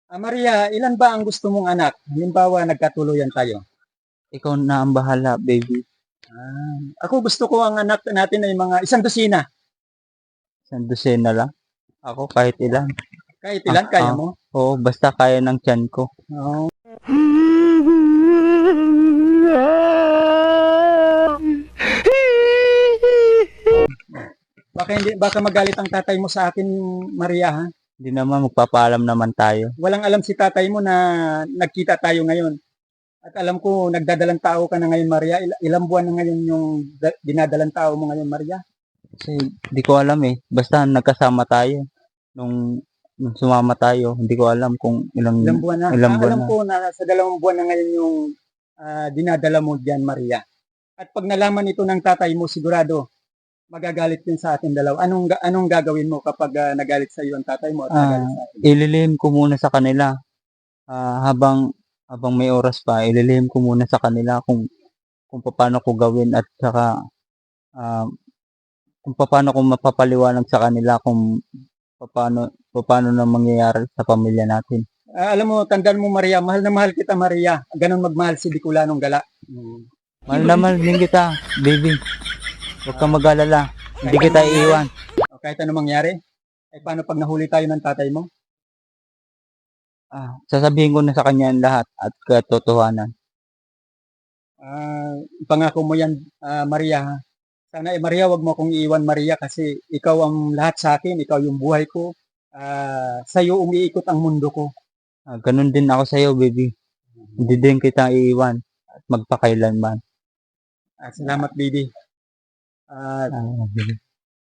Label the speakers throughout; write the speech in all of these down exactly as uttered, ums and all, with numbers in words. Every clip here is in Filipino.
Speaker 1: Ah, Maria, ilan ba ang gusto mong anak? Halimbawa, nagkatuluyan tayo.
Speaker 2: Ikaw na ang bahala, baby.
Speaker 1: Ah, ako gusto ko ang anak natin ay mga isang dosina.
Speaker 2: Isang dosena lang. Ako kahit ilan.
Speaker 1: Kahit
Speaker 2: Ah,
Speaker 1: ilan, kaya
Speaker 2: ah,
Speaker 1: mo?
Speaker 2: Oo, basta kaya ng tiyan ko.
Speaker 1: Oo. Baka hindi, baka magalit ang tatay mo sa akin, Maria, ha?
Speaker 2: Hindi naman, magpapaalam naman tayo.
Speaker 1: Walang alam si tatay mo na nagkita tayo ngayon. At alam ko, nagdadalang tao ka na ngayon, Maria. Il- ilang buwan na ngayon yung da- dinadalang tao mo ngayon, Maria?
Speaker 2: Kasi hindi ko alam eh. Basta nagkasama tayo. Nung, nung sumama tayo, hindi ko alam kung ilang,
Speaker 1: Ilang buwan na.
Speaker 2: ilang
Speaker 1: Ah,
Speaker 2: buwan
Speaker 1: alam
Speaker 2: na.
Speaker 1: ko na sa dalawang buwan na ngayon yung ah, dinadala mo diyan, Maria. At pag nalaman ito ng tatay mo, sigurado magagalit din sa ating dalawa. Anong ga- anong gagawin mo kapag ah, nagalit sa iyo ang tatay mo at
Speaker 2: Ah,
Speaker 1: nagalit sa atin?
Speaker 2: ililihim ko muna sa kanila. Ah, habang habang may oras pa, ililihim ko muna sa kanila kung kung paano ko gawin at saka ah, kung paano ko mapapaliwanag sa kanila kung paano paano na mangyayari sa pamilya natin.
Speaker 1: Ah, alam mo, tandaan mo, Maria, mahal na mahal kita, Maria. Ganon magmahal si Bicolanong Gala. Mm.
Speaker 2: Mahal na mahal din kita, baby. Huwag kang mag-alala. Hindi
Speaker 1: Kahit
Speaker 2: kita
Speaker 1: anong mangyari,
Speaker 2: iiwan.
Speaker 1: o kahit anong mangyari, ay paano pag nahuli tayo ng tatay mo?
Speaker 2: Ah, sasabihin ko na sa kanya ang lahat at katotohanan.
Speaker 1: Ah, ipangako mo yan, ah, Maria. Ha? Sana, eh, Maria, wag mo akong iiwan, Maria, kasi ikaw ang lahat sa akin, ikaw yung buhay ko. Ah, sa iyo umiikot ang mundo ko.
Speaker 2: Ah, ganun din ako sa iyo, baby. Hindi din kita iiwan at magpakailanman.
Speaker 1: Ah, salamat, baby. Ah,
Speaker 2: Ah, baby.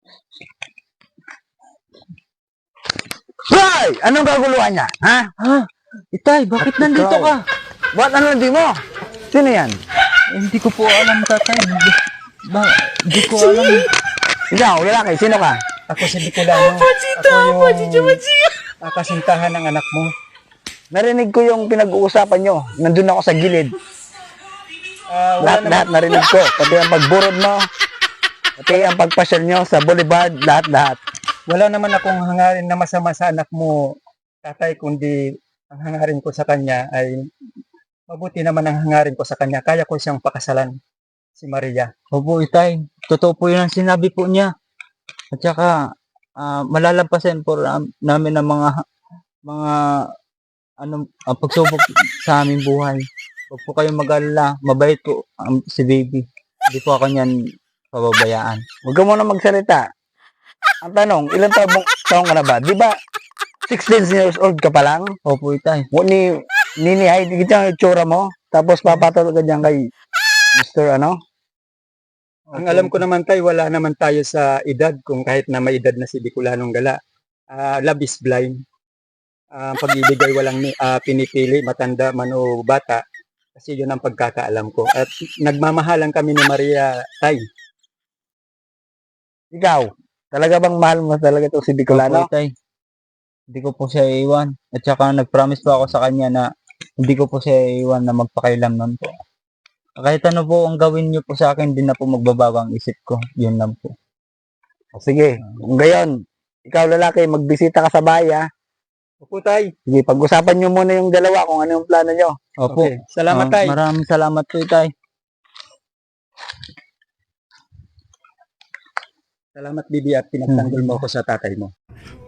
Speaker 3: Hoy! Anong kaguluhan niya? Ha?
Speaker 2: Ha? Itay, bakit
Speaker 3: At
Speaker 2: nandito
Speaker 3: ikaw?
Speaker 2: ka?
Speaker 3: Ba't ano hindi mo? Sino yan?
Speaker 2: Eh, hindi ko po alam, tatay. Ba, hindi ko alam.
Speaker 3: Ikaw, lalaki, sino ka?
Speaker 1: ako si Bicolano. Ako yung ah, kasintahan ng anak mo.
Speaker 3: Narinig ko yung pinag-uusapan nyo. Nandun ako sa gilid.
Speaker 1: Ah, wala naman,
Speaker 3: Lahat-lahat narinig ko. Pati ang pagburod mo. Pati ang pagpasyal nyo sa boulevard. Lahat-lahat.
Speaker 1: wala naman akong hangarin na masama sa anak mo, tatay, kundi ang hangarin ko sa kanya ay mabuti naman ang hangarin ko sa kanya. Kaya ko siyang pakasalan, si Maria.
Speaker 2: Opo, itay. Totoo po yun ang sinabi po niya. At saka, ah, malalampasan po ram- namin ang mga mga ano, ah, pagsubok sa aming buhay. Huwag po kayong mag-alala. Mabait po ang si baby. Hindi po ako niyan pababayaan.
Speaker 3: Huwag ka muna magsalita. Ang tanong, ilang taong, taong ka na ba? Di ba sixteen years old ka pa lang?
Speaker 2: Opo, itay.
Speaker 3: Mo ni Nini Hyde, kita ang itsura mo. Tapos papatulog ka dyan kay mister ano?
Speaker 1: Ang alam ko naman tayo, wala naman tayo sa edad, kung kahit na may edad na si Bicolanong Gala. Ah, love is blind. Ah, ang pag-ibig ay walang ah, pinipili, matanda man o bata. Kasi yun ang pagkakaalam ko. At nagmamahalan kami ni Maria, tay.
Speaker 3: Ikaw, talaga bang mahal mo talaga itong si
Speaker 2: Opo,
Speaker 3: Bicolano?
Speaker 2: itay. Hindi ko po siya iiwan. At saka nag-promise po ako sa kanya na hindi ko po siya iiwan na magpakailanman po. Kahit ano po ang gawin niyo po sa akin, hindi na po magbabago ang isip ko. Yun lang po.
Speaker 3: O sige, kung gayon, ikaw lalaki, magbisita ka sa bahay ha.
Speaker 1: Opo, tay.
Speaker 3: Sige, pag-usapan nyo muna yung dalawa kung ano yung plano nyo.
Speaker 2: Opo.
Speaker 1: Okay. Salamat,
Speaker 2: Ah,
Speaker 1: tay.
Speaker 2: Maraming salamat po, itay.
Speaker 1: Salamat, Bibi, at pinagtanggol mo ako sa tatay mo.